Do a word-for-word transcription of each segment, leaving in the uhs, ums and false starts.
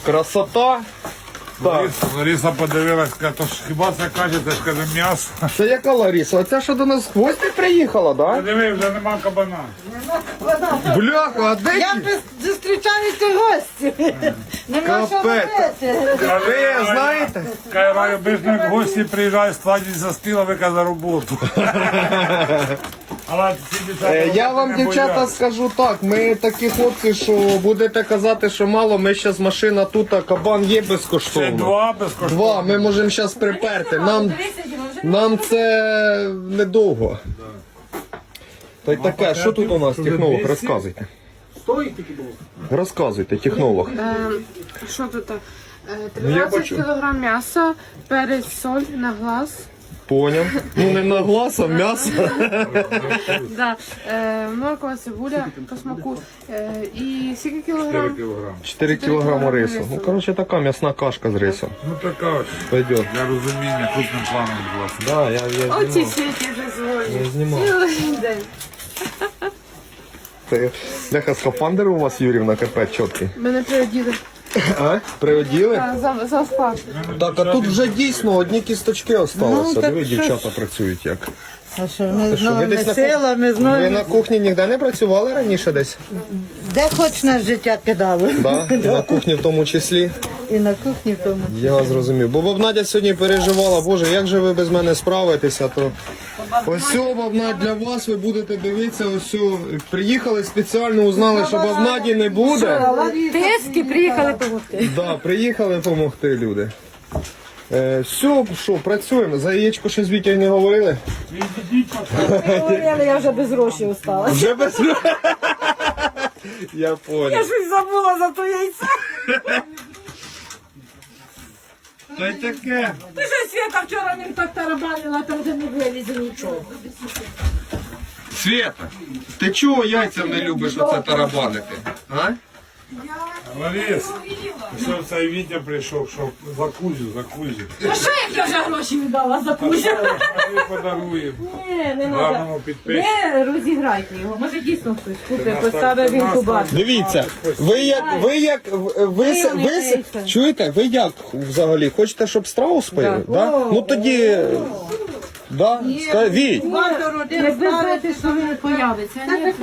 Красота. Так. Лариса подивилась, каже, то ж хіба це кажете, ж каже, м'ясо. Це яка Лариса? Оця що до нас в гості приїхала, да? Диви, вже нема кабана. Бляха, а де Я ті? зустрічаюся гості. Нема що Капець. робити. Ви знаєте? Каже, Валя, обично, як гості приїжджають, складіть за стіл, а ви каже, за роботу. Але ці дівчата Е, Я вам, не дівчата, бояться. скажу так, ми такі хлопці, що будете казати, що мало, ми зараз машина тут, а кабан є Ще безкоштовно. два безкоштовно. Два, ми можемо зараз приперти. Нам, нам це недовго. Та й таке, що тут у нас, технолог, розказуйте. Розказуйте, технолог. Що тут? Е, Ну, я тринадцять бачу. кілограм м'яса, перець, соль на глаз. Поняв. Ну не на глаз, а м'ясо. Да. Е, морква, цибуля по смаку. Е, і скільки кілограм? Кілограм. чотири кілограми рису. Ну, коротше, така м'ясна кашка з рисом. Ну така ось. Пойдет. Для розуміння, крупним планом, будь ласка. Да, я, я Оці знімав. світі дозволені. Я знімав. Цілий день. Це, Бляха, скафандр у вас, Юрівна, капець чіткий. Мене приоділи. А? Приоділи? А, за, за склад. Так, а тут вже дійсно одні кісточки осталося. Ну, так Диви, що дівчата працюють як. А що, ми з що, ви новими десь на силами, з Ви новими... на кухні ніде не працювали раніше десь? Де хоч нас життя кидали. Да? І на кухні в тому числі. І на кухні в тому. Я зрозумів. Бо баб Надя сьогодні переживала, боже, як же ви без мене справитеся, то ось цього, баб Надя, для вас ви будете дивитися, ось цього. Приїхали спеціально, узнали, що баб Наді не буде. Тиски приїхали допомогти. Да, приїхали допомогти люди. Е, все, що, працюємо. За яєчко ще з Вітєю не говорили? Говорили, я вже без грошей осталась. Вже без... Я понял. щось забула за то яйце. Та й таке. Ти що, Свята, вчора ним так тарабанила, там вже не вилізе нічого. Света, ти чого яйцям не любиш оце тарабанити? А? Ларис, що цей Вітя прийшов, що за Кузю, за Кузю. Ну що, як я вже гроші віддала за кузю? Ми подаруємо. Ні, не Гарному треба. підписчику. Не розіграйте його. Може дійсно хтось купить, поставив він кубат. Дивіться, ви як, ви як, ви, ви, ви, ви чуєте, ви як взагалі? Хочете, щоб страус поїли? Да. Ну тоді, да? Ска- Віть, Якби знати, що він появиться, а ні,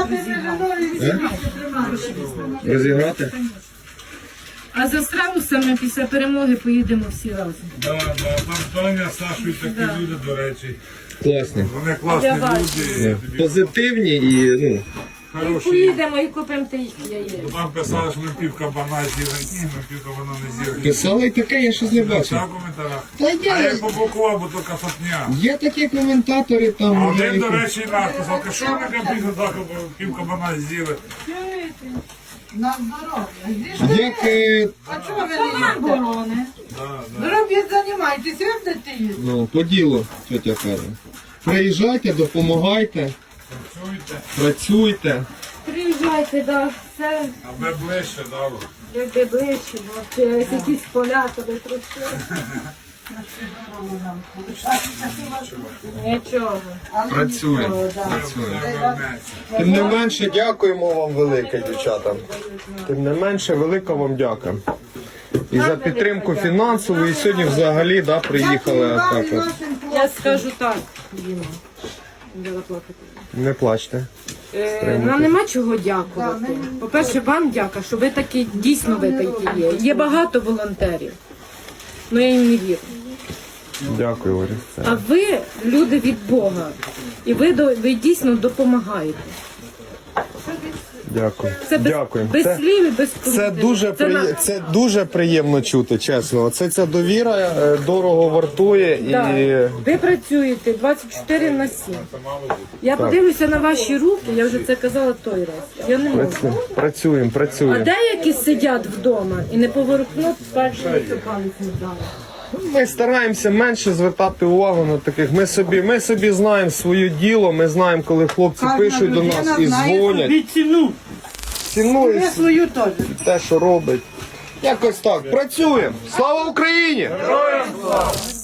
розіграти? а за страусами після перемоги поїдемо всі разом. Да, да, там Тоня, Сашу і такі люди, до речі. Класні. Вони класні люди, і Позитивні і, ну, хороші. Поїдемо і купимо тих яєць. Там писали, що ми пів кабана з'їли. Ні, ми пів кабана не з'їли. писали таке, я щось не бачив. Так, в коментарях. Та А є, я побокував, бо то касатня. є такі коментатори А там. один, до які- речі, написав, ти що ми капізу так пів кабана з'їли? На здоров'я. Як, е, А чого ви не їдете? Робіть, займайтесь, ви будете їсти. ну, по ділу, тетя каже. Приїжджайте, допомагайте, Чуєте? працюйте. Приїжджайте, да, все Аби ближче дало. якби ближче, бо через якісь поля туди трошки. Нічого. Працюємо. Працюємо. Тим не менше, дякуємо вам велике, дівчата. Тим не менше, велика вам дяка. І за підтримку фінансову, і сьогодні взагалі да, приїхали отак от. Я скажу так. Не плачте. Е, Нам нема чого дякувати. По-перше, вам дяка, що ви такі, дійсно ви такі є. Є багато волонтерів, але я їм не вірю. Дякую, Ларі. А ви люди від Бога. І ви, до- ви дійсно допомагаєте. Дякую. Це без, Дякую. без Це- слів і без Це коментарів. дуже, Це на- приє... це дуже приємно чути, чесно. Це ця довіра е, дорого вартує і Да. Ви працюєте двадцять чотири на сім. Я Так. подивлюся на ваші руки, я вже це казала той раз. Я не можу. працюємо, працюємо. А працюємо. деякі сидять вдома і не поворухнуть першими палець не дали. Ми стараємося менше звертати увагу на таких. Ми собі, ми собі знаємо своє діло, ми знаємо, коли хлопці пишуть до нас і дзвонять. ціну. Цінують Свою теж. те, що робить. Якось так. Працюємо. Слава Україні! Героям слава!